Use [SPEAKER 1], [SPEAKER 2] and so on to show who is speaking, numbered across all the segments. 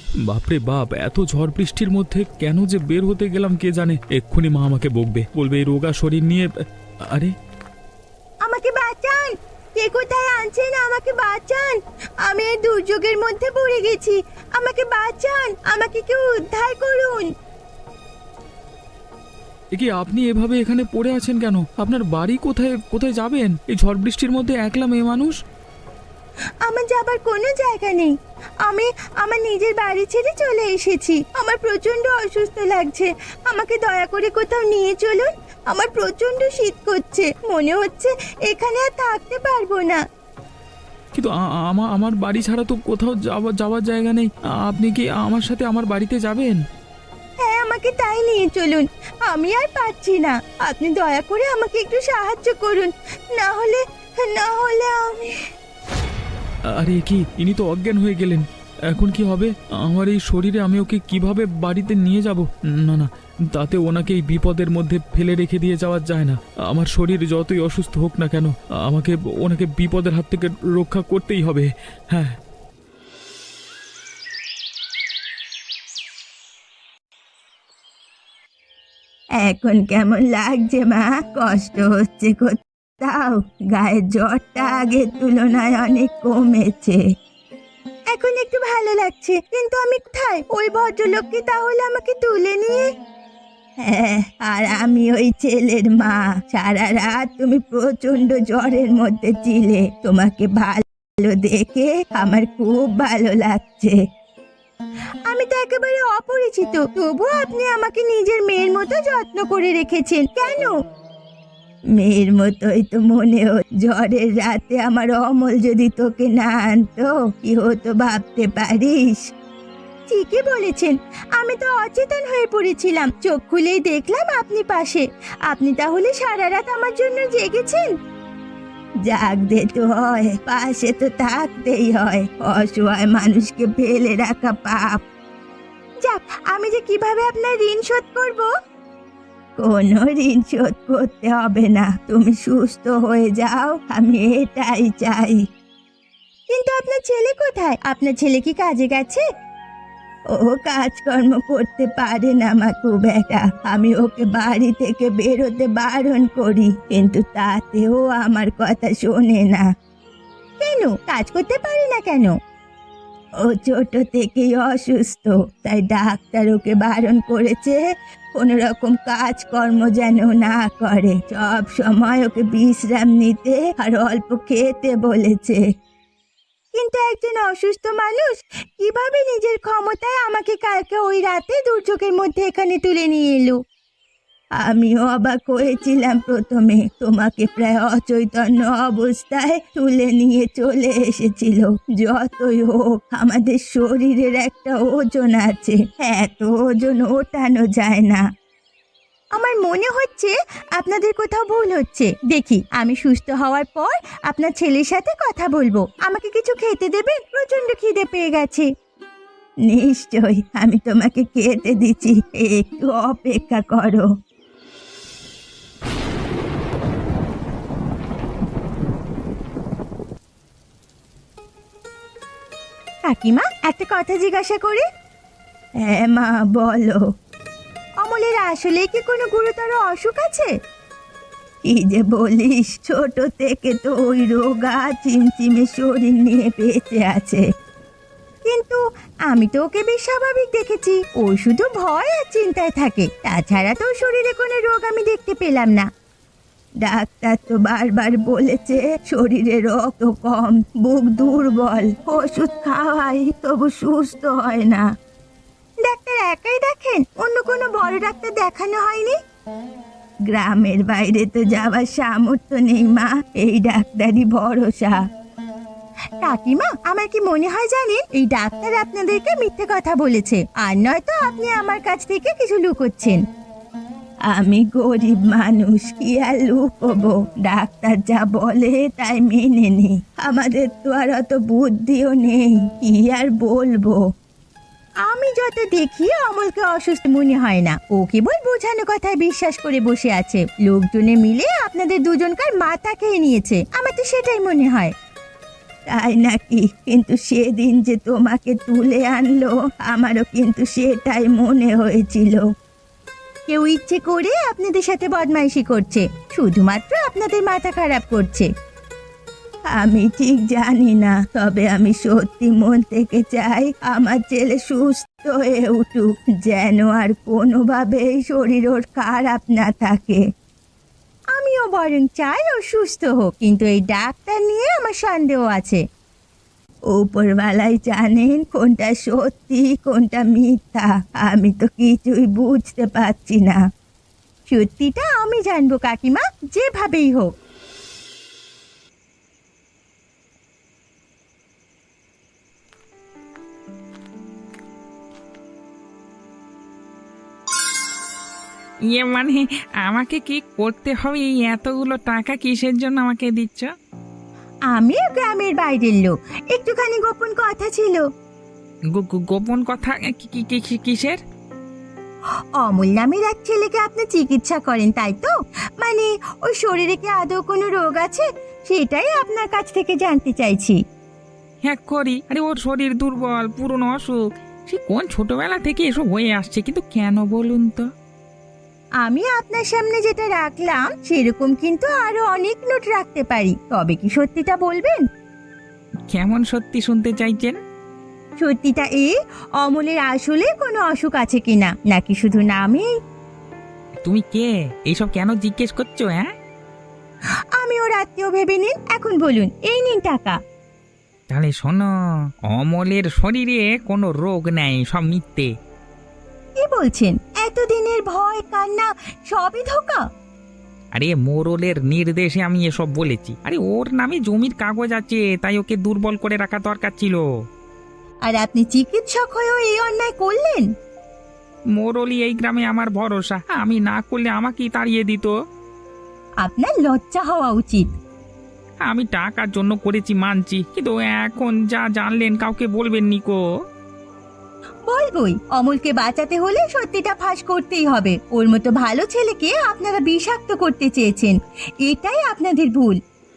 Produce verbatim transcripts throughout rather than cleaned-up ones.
[SPEAKER 1] বাপরে বাপ, এত ঝড় বৃষ্টির মধ্যে কেন যে বের হতে গেলাম কে জানে। এক্ষুনি মা আমাকে বকবে, বলবে এই রোগা শরীর নিয়ে। আরে
[SPEAKER 2] আমাকে বাঁচান, কে কোথায় আছেন? আমাকে বাঁচান, আমি এই দুর্যোগের মধ্যে পড়ে গেছি। আমাকে বাঁচান, আমাকে কেউ উদ্ধার করুন।
[SPEAKER 1] এ কি, আপনি এভাবে এখানে পড়ে আছেন কেন? আপনার বাড়ি কোথায়? কোথায় যাবেন এই ঝড় বৃষ্টির মধ্যে একলা মেয়ে মানুষ?
[SPEAKER 2] আমার যাবার কোনো জায়গা নেই। আমি আমার নিজের বাড়ি ছেড়ে চলে এসেছি। আমার প্রচন্ড অসুস্থ লাগছে, আমাকে দয়া করে কোথাও নিয়ে চলুন। আমার প্রচন্ড শীত করছে, মনে হচ্ছে এখানে আর থাকতে পারবো না।
[SPEAKER 1] কিন্তু আ- আমার আমার বাড়ি ছাড়া তো কোথাও যাওয়া যাওয়ার জায়গা নেই। আপনি কি আমার সাথে আমার বাড়িতে যাবেন?
[SPEAKER 2] হ্যাঁ, আমাকে তাই নিয়ে চলুন। আমি আর পারছি না, আপনি দয়া করে আমাকে একটু সাহায্য করুন, না হলে না হলে আমি।
[SPEAKER 1] আরে কি, ইনি তো অজ্ঞান হয়ে গেলেন। এখন কি হবে আমার এই শরীরে? আমি ওকে কিভাবে বাড়িতে নিয়ে যাব? না না, তাতে ওনাকে এই বিপদের মধ্যে ফেলে রেখে দিয়ে যাওয়া যায় না। আমার শরীর যতই অসুস্থ হোক না কেন, আমাকে ওনাকে বিপদের হাত থেকে রক্ষা করতেই হবে। হ্যাঁ।
[SPEAKER 2] এখন কেমন লাগছে মা? কষ্ট হচ্ছে কোথাও? গায়ের জ্বরটা আগের তুলনায় অনেক কমেছে। এখন একটু ভালো লাগছে, কিন্তু আমি কোথায়? ওই ভদ্রলোককে তাহলে আমাকে তুলে নিয়ে। হ্যাঁ, আর আমি ওই ছেলের মা। সারা রাত তুমি প্রচন্ড জ্বরের মধ্যে ছিলে, তোমাকে ভালো দেখে আমার খুব ভালো লাগছে। আমি তো একেবারে অপরিচিত, তবুও আপনি আমাকে নিজের মেয়ের মতো যত্ন করে রেখেছেন। কেন? মেয়ের মতোই তো মনে হচ্ছে। ঝড়ের রাতে আমার অমল যদি তোকে না আনতো, কি হতো ভাবতে পারিস? ঠিকই বলেছেন, আমি তো অচেতন হয়ে পড়েছিলাম। চোখ খুলেই দেখলাম আপনি পাশে। আপনি তাহলে সারা রাত আমার জন্য জেগেছেন? জাগতে তো হয়, পাশে তো থাকতেই হয়। অসহায় মানুষকে ফেলে রাখা পাপ। যাক, আমি যে কিভাবে আপনার ঋণ শোধ করব? কোনো ঋণ শোধ করতে হবে না, তুমি সুস্থ হয়ে যাও, আমি এটাই চাই। কিন্তু আপনার ছেলে কোথায়? আপনার ছেলে কি কাজে গেছে? ও কাজকর্ম করতে পারে না মা, খুব একটা। আমি ওকে বাড়ি থেকে বেরোতে বারণ করি, কিন্তু তাতেও আমার কথা শোনে না। কেন কাজ করতে পারে না কেন? ও ছোট থেকেই অসুস্থ, তাই ডাক্তার ওকে বারণ করেছে কোনো রকম কাজকর্ম যেন না করে। সব সময় ওকে বিশ্রাম নিতে আর অল্প খেতে বলেছে। কিন্তু একজন অসুস্থ মানুষ কিভাবে নিজের ক্ষমতায় আমাকে কালকে ওই রাতে দুর্যোগের মধ্যে এখানে তুলে নিয়ে এলো? আমিও অবাক হয়েছিলাম প্রথমে। তোমাকে প্রায় অচৈতন্য অবস্থায় তুলে নিয়ে চলে এসেছিল। যতই হোক, আমাদের শরীরের একটা ওজন আছে, এত ওজন ওঠানো যায় না। আমার মনে হচ্ছে আপনাদের কোথাও ভুল হচ্ছে। দেখি, আমি সুস্থ হওয়ার পর আপনার ছেলের সাথে কথা বলবো। আমাকে কিছু খেতে দেবেন? প্রচন্ড খিদে পেয়ে গেছে। নিশ্চয়ই, আমি তোমাকে খেতে দিচ্ছি, একটু অপেক্ষা করো। কাকিমা, একটা কথা জিজ্ঞাসা করি? হ্যাঁ মা, বলো। অমলের আসলে কি কোনো গুরুতর অসুখ আছে? কি যে বলিস, ছোট থেকে তো ওই রোগা চিমচিমে শরীর নিয়ে বেঁচে আছে। কিন্তু আমি তো ওকে বেশ স্বাভাবিক দেখেছি। ও শুধু ভয় আর চিন্তায় থাকে, তাছাড়া তো ওর শরীরে কোনো রোগ আমি দেখতে পেলাম না। ডাক্তার তো বারবার বলেছে শরীরে রক্ত কম, বুক দুর্বল, ওষুধ খাওয়াই তবু সুস্থ হয় না। ডাক্তার একাই দেখেন? অন্য কোনো বড় ডাক্তার দেখানো হয়নি? গ্রামের বাইরে তো যাওয়ার সামর্থ্য নেই মা, এই ডাক্তারই ভরসা। কাকিমা, আমার কি মনে হয় জানেন, এই ডাক্তার আপনাদেরকে মিথ্যে কথা বলেছে, আর নয়তো আপনি আমার কাছ থেকে কিছু লুকোচ্ছেন। আমি গরিব মানুষ, কি আর লুকোবো? ডাক্তার যা বলে তাই মেনে নি। আমাদের তো আর অত বুদ্ধিও নেই, কি আর বলবো। আমি যত দেখি অমলকে অসুস্থ মনে হয় না। ও কেবল বোঝানো কথায় বিশ্বাস করে বসে আছে। লোকজনে মিলে আপনাদের দুজনকার মাথা খেয়ে নিয়েছে, আমার তো সেটাই মনে হয়। তাই নাকি? কিন্তু সেদিন যে তোমাকে তুলে আনলো আমারও কিন্তু সেটাই মনে হয়েছিল। কেউ ইচ্ছে করে আপনাদের সাথে বদমাইশি করছে, শুধুমাত্র আপনাদের মাথা খারাপ করছে। আমি ঠিক জানি না, তবে আমি সত্যি মন থেকে চাই আমার ছেলে সুস্থ হয়ে উঠুক, যেন আর কোনোভাবেই শরীর ওর খারাপ না থাকে। আমিও বরং চাই ও সুস্থ হোক, কিন্তু এই ডাক্তার নিয়ে আমার সন্দেহ আছে। উপরওয়ালাই জানেন কোনটা সত্যি কোনটা মিথ্যা, আমি তো কিছুই বুঝতে পারছি না। সত্যিটা আমি জানবো কাকিমা, যেভাবেই হোক।
[SPEAKER 3] ইয়ে মানে আমাকে কি করতে হবে? এই এতগুলো টাকা কিসের জন্য আমাকে দিচ্ছ?
[SPEAKER 2] আমিও গ্রামের বাইরের লোক, একটুখানি গোপন কথা ছিল।
[SPEAKER 3] গো- গো- গোপন কথা? কি- কি- কি- কি- কিসের?
[SPEAKER 2] অমল নামের এক ছেলেকে আপনি চিকিৎসা করেন, তাই তো? মানে ওর শরীরে কি আদৌ কোনো রোগ আছে, সেটাই আপনার কাছ থেকে জানতে চাইছি।
[SPEAKER 3] হ্যাঁ করি। আরে ওর শরীর দুর্বল, পুরনো অসুখ, সে কোন ছোটবেলা থেকে এসব হয়ে আসছে, কিন্তু কেন বলুন তো?
[SPEAKER 2] আমি আপনার সামনে যেটা রাখলাম সেরকম কিন্তু আরো অনেক নোট রাখতে পারি, তবে কি সত্যিটা বলবেন?
[SPEAKER 3] কেমন সত্যি শুনতে চাইছেন?
[SPEAKER 2] সত্যিটা এই, অমলের আসলে কোনো অসুখ আছে কিনা, নাকি শুধু নামেই?
[SPEAKER 3] তুমি কে? এইসব কেন জিজ্ঞেস করছো? হ্যাঁ,
[SPEAKER 2] আমি ওর আত্মীয় ভেবে নিন, এখন বলুন, এই নিন টাকা।
[SPEAKER 3] তাহলে শোনো, অমলের শরীরে কোনো রোগ নেই, সব মিথ্যে।
[SPEAKER 2] কি বলছেন? এতদিনের ভয় কান্না সবই ধোঁকা?
[SPEAKER 3] আরে মোরলের নির্দেশে আমি এসব বলেছি। আরে ওর নামে জমির কাগজ আছে, তাই ওকে দুর্বল করে রাখা দরকার ছিল।
[SPEAKER 2] আর আপনি চিকিৎসক হয়েও এই অন্যায় করলেন?
[SPEAKER 3] মোরলই এই গ্রামে আমার ভরসা, আমি না করলে আমাকেই তাড়িয়ে দিত।
[SPEAKER 2] আপনার লজ্জা হওয়া উচিত।
[SPEAKER 3] আমি টাকার জন্য করেছি মানছি, কিন্তু এখন যা জানলেন কাউকে বলবেন নিকো।
[SPEAKER 2] বলবই, অমলকে বাঁচাতে হলে সত্যিটা ফাঁস করতেই হবে। ওর মতো ভালো ছেলেকে আপনারা বিষাক্ত করতে চেয়েছেন, এটাই আপনাদের ভুল।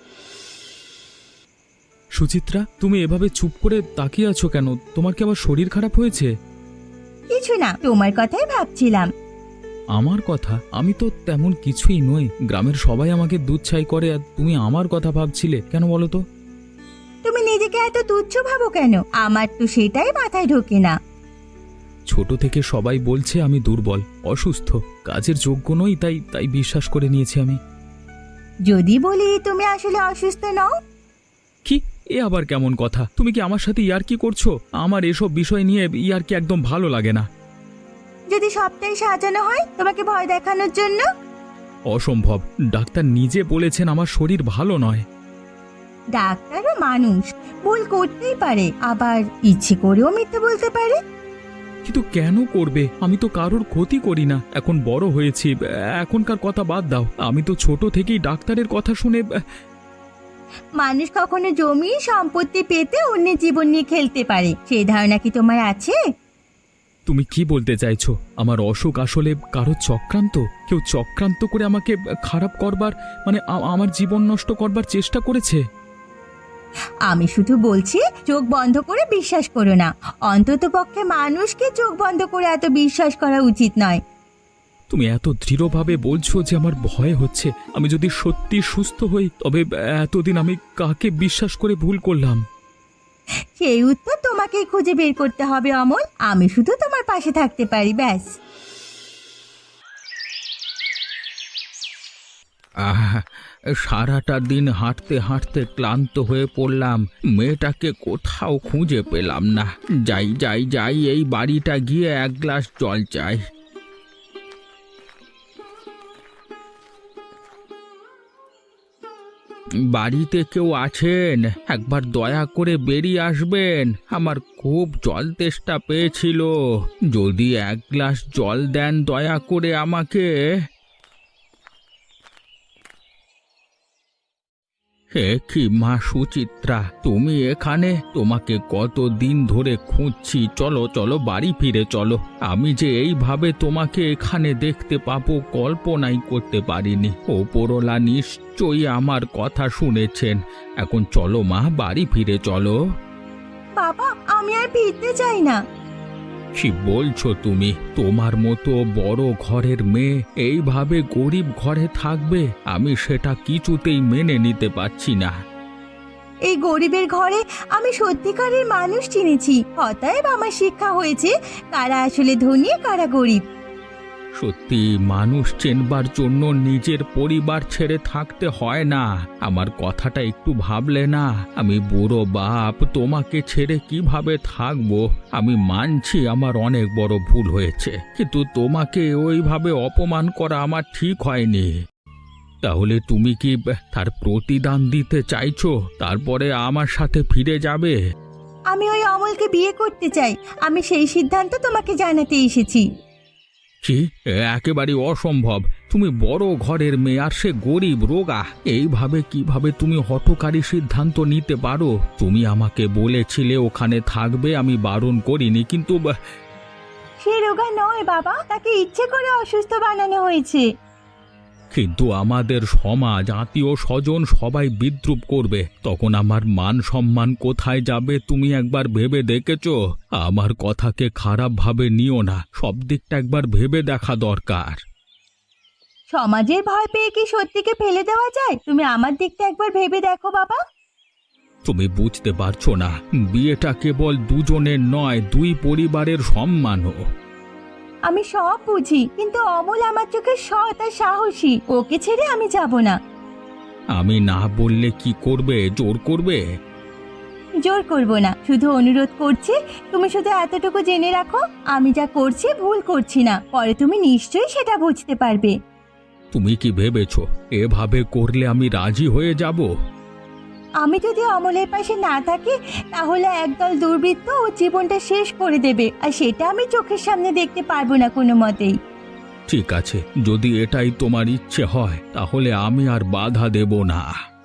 [SPEAKER 1] সুচিত্রা, তুমি এভাবে চুপ করে তাকিয়ে আছো কেন? তোমার কি আবার শরীর খারাপ হয়েছে?
[SPEAKER 2] কিছু না, তোমার কথাই ভাবছিলাম।
[SPEAKER 1] আমার কথা? আমি তো তেমন কিছুই নই, গ্রামের সবাই আমাকে দুধ ছাই করে, আর তুমি আমার কথা ভাবছিলে কেন বলো তো?
[SPEAKER 2] তুমি নিজেকে এত তুচ্ছ ভাবো কেন? আমার তো সেটাই মাথায় ঢোকে না।
[SPEAKER 1] ছোট থেকে সবাই বলছে আমি দুর্বল, অসুস্থ, কাজের যোগ্য নই, তাই তাই বিশ্বাস করে নিয়েছি আমি।
[SPEAKER 2] যদি বলি তুমি আসলে অসুস্থ নও?
[SPEAKER 1] কি? এ আবার কেমন কথা? তুমি কি আমার সাথে ইয়ার্কি করছো? আমার এসব বিষয় নিয়ে ইয়ার্কি একদম ভালো লাগে না।
[SPEAKER 2] যদি সবটাই সাজানো হয় তোমাকে ভয় দেখানোর জন্য?
[SPEAKER 1] অসম্ভব, ডাক্তার নিজে বলেছেন আমার শরীর ভালো নয়।
[SPEAKER 2] ডাক্তারও মানুষ, ভুল করতেই পারে, আবার ইচ্ছে করেও মিথ্যে বলতে পারে।
[SPEAKER 1] কিন্তু কেন করবে? আমি তো কারোর ক্ষতি করি না, এখন বড় হয়েছি, এখনকার কথা বাদ দাও। আমি তো ছোট থেকেই ডাক্তারের কথা শুনে।
[SPEAKER 2] মানুষ কখনো জমি সম্পত্তি পেতে অন্যের জীবন নিয়ে খেলতে পারে, সেই ধারণা কি তোমার আছে?
[SPEAKER 1] তুমি কি বলতে চাইছো? আমার অসুখ আসলে কারো চক্রান্ত? কেউ চক্রান্ত করে আমাকে খারাপ করবার, মানে আ- আমার জীবন নষ্ট করবার চেষ্টা করেছে?
[SPEAKER 2] আমি শুধু বলছি চোখ বন্ধ করে বিশ্বাস করো না। অন্তত পক্ষে মানুষকে চোখ বন্ধ করে এত বিশ্বাস করা উচিত নয়।
[SPEAKER 1] তুমি এত দৃঢ়ভাবে বলছো যে আমার ভয় হচ্ছে। আমি যদি সত্যি সুস্থ হই, তবে এতদিন আমি কাকে বিশ্বাস করে ভুল করলাম?
[SPEAKER 2] সেই উত্তর তোমাকেই খুঁজে বের করতে হবে অমল, আমি শুধু তোমার পাশে থাকতে পারি, ব্যাস।
[SPEAKER 3] আহ, সারাটা দিন হাঁটতে হাঁটতে ক্লান্ত হয়ে পড়লাম, মেয়েটাকে কোথাও খুঁজে পেলাম না। যাই যাই যাই, এই বাড়িটা গিয়ে এক গ্লাস জল চাই। বাড়িতে কেউ আছেন? একবার দয়া করে বেরিয়ে আসবেন, আমার খুব জল তেষ্টা পেয়েছিল। যদি এক গ্লাস জল দেন দয়া করে আমাকে। হে কি মা সুচিত্রা, তুমি এখানে? তোমাকে কত দিন ধরে খুঁজছি। চলো চলো বাড়ি ফিরে চলো। আমি যে এইভাবে তোমাকে এখানে দেখতে পাবো কল্পনাই করতে পারিনি। ওপরওয়ালা নিশ্চয়ই আমার কথা শুনেছেন। এখন চলো মা, বাড়ি ফিরে চলো।
[SPEAKER 2] বাবা, আমি আর ফিরতে চাই না।
[SPEAKER 3] কি বলছো তুমি? তোমার মতো বড় ঘরের মেয়ে এইভাবে গরিব ঘরে থাকবে? আমি সেটা কিছুতেই মেনে নিতে পারছি না।
[SPEAKER 2] এই গরিবের ঘরে আমি সত্যিকারের মানুষ চিনেছি। অতএব আমার শিক্ষা হয়েছে কারা আসলে ধনী, কারা গরিব।
[SPEAKER 3] সত্যি, মানুষ চেনবার জন্য নিজের পরিবার ছেড়ে থাকতে হয় না। আমার কথাটা একটু ভাবলে না? আমি বুড়ো বাপ, তোমাকে ছেড়ে কিভাবে থাকবো? আমি মানছি আমার অনেক বড় ভুল হয়েছে, কিন্তু তোমাকে ওইভাবে অপমান করা আমার ঠিক হয়নি। তাহলে তুমি কি তার প্রতিদান দিতে চাইছো? তারপরে আমার সাথে ফিরে যাবে?
[SPEAKER 2] আমি ওই অমলকে বিয়ে করতে চাই। আমি সেই সিদ্ধান্ত তোমাকে জানাতে এসেছি।
[SPEAKER 3] কি? একেবারে অসম্ভব। তুমি বড় ঘরের মেয়ে আর সে গরিব রোগা। এইভাবে কিভাবে তুমি হঠকারী সিদ্ধান্ত নিতে পারো? তুমি আমাকে বলেছিলে ওখানে থাকবে, আমি বারণ করিনি, কিন্তু বা-
[SPEAKER 2] সে রোগা নয় বাবা, তাকে ইচ্ছে করে অসুস্থ বানানো হয়েছে।
[SPEAKER 3] কিন্তু আমাদের সমাজ, আত্মীয় স্বজন সবাই বিদ্রূপ করবে। তখন আমার মান সম্মান কোথায় যাবে? তুমি একবার ভেবে দেখেছো? আমার কথাকে খারাপ ভাবে নিও না, সব দিকটা একবার ভেবে দেখা দরকার।
[SPEAKER 2] সমাজের ভয় পেয়ে কি সত্যিকে ফেলে দেওয়া যায়? তুমি আমার দিকটা একবার ভেবে দেখো বাবা।
[SPEAKER 3] তুমি বুঝতে পারছো না, বিয়েটা কেবল দুজনের নয়, দুই পরিবারের সম্মানও।
[SPEAKER 2] আমি সব বুঝি, কিন্তু অমল আমার চোখে সৎ আর সাহসী। ওকে ছেড়ে আমি যাব না।
[SPEAKER 3] আমি না বললে কি করবে? জোর করবে?
[SPEAKER 2] জোর করব না, শুধু অনুরোধ করছি। তুমি শুধু এতটুকু জেনে রাখো, আমি যা করছি ভুল করছি না। পরে তুমি নিশ্চয়ই সেটা বুঝতে পারবে।
[SPEAKER 3] তুমি কি ভেবেছো এভাবে করলে আমি রাজি হয়ে যাব?
[SPEAKER 2] আমি যদি অমলের পাশে না থাকি, তাহলে একদল দুর্বৃত্ত ও জীবনটা শেষ করে দেবে, আর সেটা আমি চোখের সামনে দেখতে পারবো না কোনো মতেই।
[SPEAKER 3] ঠিক আছে, যদি এটাই তোমার ইচ্ছে হয় তাহলে আমি আর বাধা দেব না।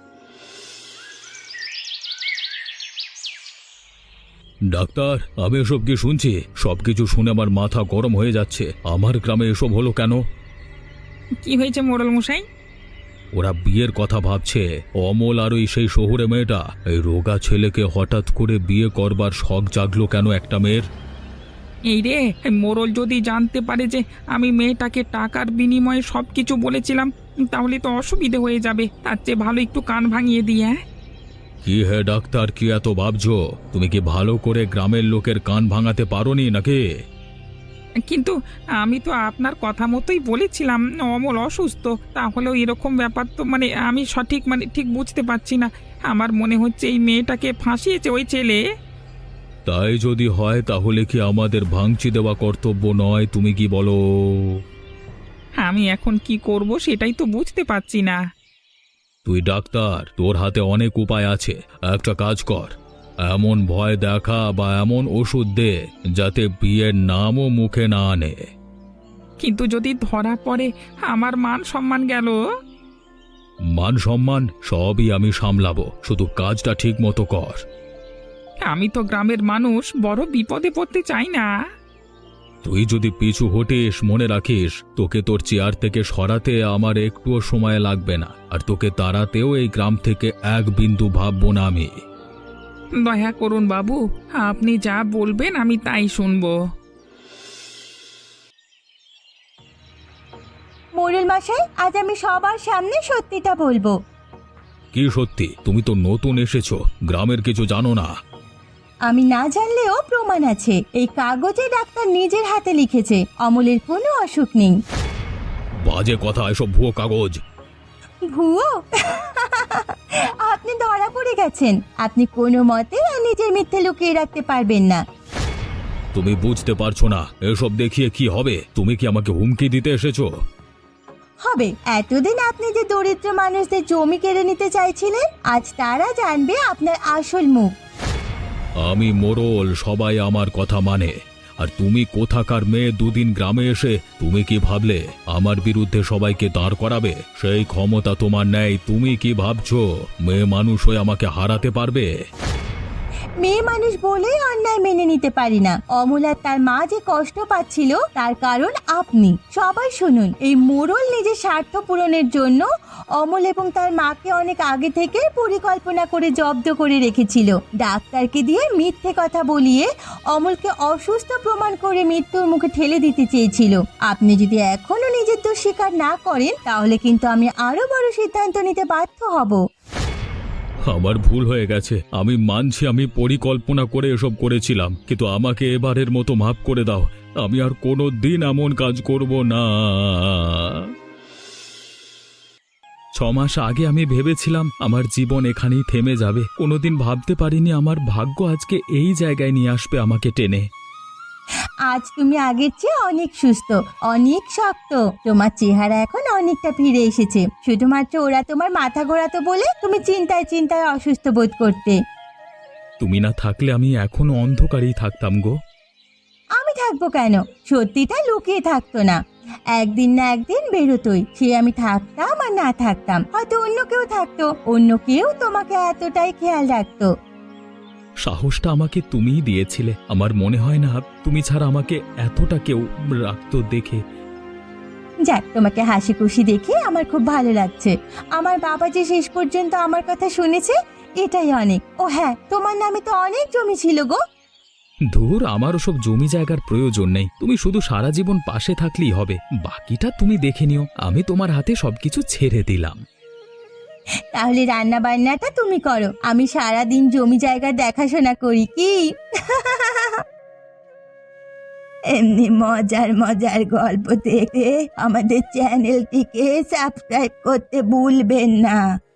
[SPEAKER 3] ডাক্তার, আমি এসব কি শুনছি? সবকিছু শুনে আমার মাথা গরম হয়ে যাচ্ছে। আমার গ্রামে এসব হলো কেন?
[SPEAKER 4] কি হয়েছে মোড়ল মশাই?
[SPEAKER 3] ওরা বিয়ের কথা ভাবছে। অমল আর ওই সেই শহুরে মেয়েটা, এই রোগা ছেলেকে হঠাৎ করে বিয়ে করবার শখ জাগলো কেন একটা মেয়ের?
[SPEAKER 4] এই রে, মোড়ল যদি জানতে পারে যে আমি মেয়েটাকে টাকার বিনিময়ে সব কিছু বলেছিলাম, তাহলে তো অসুবিধে হয়ে যাবে। তার চেয়ে ভালো একটু কান ভাঙিয়ে দিই। হ্যাঁ,
[SPEAKER 3] কি হে ডাক্তার, কি এত ভাবছো? তুমি কি ভালো করে গ্রামের লোকের কান ভাঙাতে পারোনি নাকি?
[SPEAKER 4] কিন্তু আমি তো আপনার কথা মতোই বলেছিলাম অমল অসুস্থ। তাহলেও এরকম ব্যাপার তো মানে আমি সঠিক মানে ঠিক বুঝতে পারছি না। আমার মনে হচ্ছে এই মেয়েটাকে ফাঁসিয়েছে ওই ছেলে।
[SPEAKER 3] তাই যদি হয় তাহলে কি আমাদের ভাঙচি দেওয়া কর্তব্য নয়? তুমি কি বলো?
[SPEAKER 4] আমি এখন কি করব সেটাই তো বুঝতে পারছি না।
[SPEAKER 3] তুই ডাক্তার, তোর হাতে অনেক উপায় আছে। একটা কাজ কর, এমন ভয় দেখা বা এমন ওষুধ দে যাতে বিয়ের নামও মুখে না আনে।
[SPEAKER 4] কিন্তু যদি ধরা পড়ে, আমার মান সম্মান গেল।
[SPEAKER 3] মান সম্মান সবই আমি সামলাবো, শুধু কাজটা ঠিক মতো কর।
[SPEAKER 4] আমি তো গ্রামের মানুষ, বড় বিপদে পড়তে চাই না।
[SPEAKER 3] তুই যদি পিছু হটিস, মনে রাখিস তোকে তোর চেয়ার থেকে সরাতে আমার একটুও সময় লাগবে না, আর তোকে তাড়াতেও এই গ্রাম থেকে এক বিন্দু ভাববো না আমি।
[SPEAKER 4] দয়া করুন বাবু, আপনি যা বলবেন আমি তাই শুনবো।
[SPEAKER 2] মোড়ল মশাই, আজ আমি সবার সামনে সত্যিটা বলবো।
[SPEAKER 3] কি সত্যি? তুমি তো নতুন এসেছো, গ্রামের কিছু জানো না।
[SPEAKER 2] আমি না জানলেও প্রমাণ আছে। এই কাগজে ডাক্তার নিজের হাতে লিখেছে অমলের কোনো অসুখ নেই।
[SPEAKER 3] বাজে কথা, এসব ভুয়ো কাগজ।
[SPEAKER 2] ভুয়ো? আপনি ধরা পড়ে গেছেন। আপনি কোনো মতে আর নিজের মিথ্যে লুকিয়ে রাখতে পারবেন না।
[SPEAKER 3] তুমি বুঝতে পারছো না এসব দেখিয়ে কি হবে? তুমি কি আমাকে হুমকি দিতে এসেছো?
[SPEAKER 2] হবে। এতদিন আপনি যে দরিদ্র মানুষদের জমি কেড়ে নিতে চাইছিলেন, আজ তারা জানবে আপনার আসল মুখ।
[SPEAKER 3] আমি মোড়ল, সবাই আমার কথা মানে। আর তুমি কোথাকার মেয়ে দুদিন গ্রামে এসে তুমি কি ভাবলে আমার বিরুদ্ধে সবাইকে দাঁড় করাবে? সেই ক্ষমতা তোমার নেই। তুমি কি ভাবছো মেয়ে মানুষ হয়ে আমাকে হারাতে পারবে?
[SPEAKER 2] মেয়ে মানুষ বলেই অন্যায় মেনে নিতে পারি না। অমল আর তার মা যে কষ্ট পাচ্ছিল তার কারণ আপনি। সবাই শুনুন, এই মোড়ল নিজের স্বার্থ পূরণের জন্য অমল এবং তার মাকে অনেক আগে থেকে পরিকল্পনা করে জব্দ করে রেখেছিল। ডাক্তারকে দিয়ে মিথ্যে কথা বলিয়ে অমলকে অসুস্থ প্রমাণ করে মৃত্যুর মুখে ঠেলে দিতে চেয়েছিল। আপনি যদি এখনো নিজের দোষ স্বীকার না করেন তাহলে কিন্তু আমি আরো বড় সিদ্ধান্ত নিতে বাধ্য হব।
[SPEAKER 3] আমার ভুল হয়ে গেছে, আমি মানছি আমি পরিকল্পনা করে এসব করেছিলাম, কিন্তু আমাকে এবারের মতো মাফ করে দাও। আমি আর কোনো দিন এমন কাজ করব না।
[SPEAKER 1] ছ মাস আগে আমি ভেবেছিলাম আমার জীবন এখানেই থেমে যাবে। কোনোদিন ভাবতে পারিনি আমার ভাগ্য আজকে এই জায়গায় নিয়ে আসবে আমাকে টেনে।
[SPEAKER 2] আজ তুমি আগের চেয়ে অনেক সুস্থ, অনেক শক্ত। তোমার চেহারা এখন অনেকটা ফিরে এসেছে। শুধুমাত্র ওরা তোমার মাথা ঘোরাতো বলে তুমি চিন্তায় চিন্তায় অসুস্থ বোধ করতে।
[SPEAKER 1] তুমি না থাকলে আমি এখনো অন্ধকারেই থাকতাম গো।
[SPEAKER 2] আমি থাকবো কেন? সত্যিটা লুকিয়ে থাকতো না, একদিন না একদিন বেরোতোই। সে আমি থাকতাম আর না থাকতাম, হয়তো অন্য কেউ থাকতো, অন্য কেউ তোমাকে এতটাই খেয়াল রাখতো।
[SPEAKER 1] সাহসটা আমাকে তুমিই দিয়েছিলে। আমার মনে হয় না তুমি ছাড়া আমাকে এতটা কেউ রাখতো দেখে।
[SPEAKER 2] যাক, তোমাকে হাসি খুশি দেখে আমার খুব ভালো লাগছে। আমার বাবা যে শেষ পর্যন্ত আমার কথা শুনেছে, এটাই অনেক। ও হ্যাঁ, তোমার নামে তো অনেক জমি ছিল গো।
[SPEAKER 1] ধুর, আমার ওসব জমি জায়গার প্রয়োজন নেই। তুমি শুধু সারা জীবন পাশে থাকলেই হবে, বাকিটা তুমি দেখে নিও। আমি তোমার হাতে সবকিছু ছেড়ে দিলাম।
[SPEAKER 2] তাহলে রান্না বান্নাটা তুমি করো, আমি সারা দিন জমি জায়গা দেখাশোনা করি কি? এমনি মজার মজার গল্প দেখে আমাদের চ্যানেলটিকে সাবস্ক্রাইব করতে ভুলবেন না।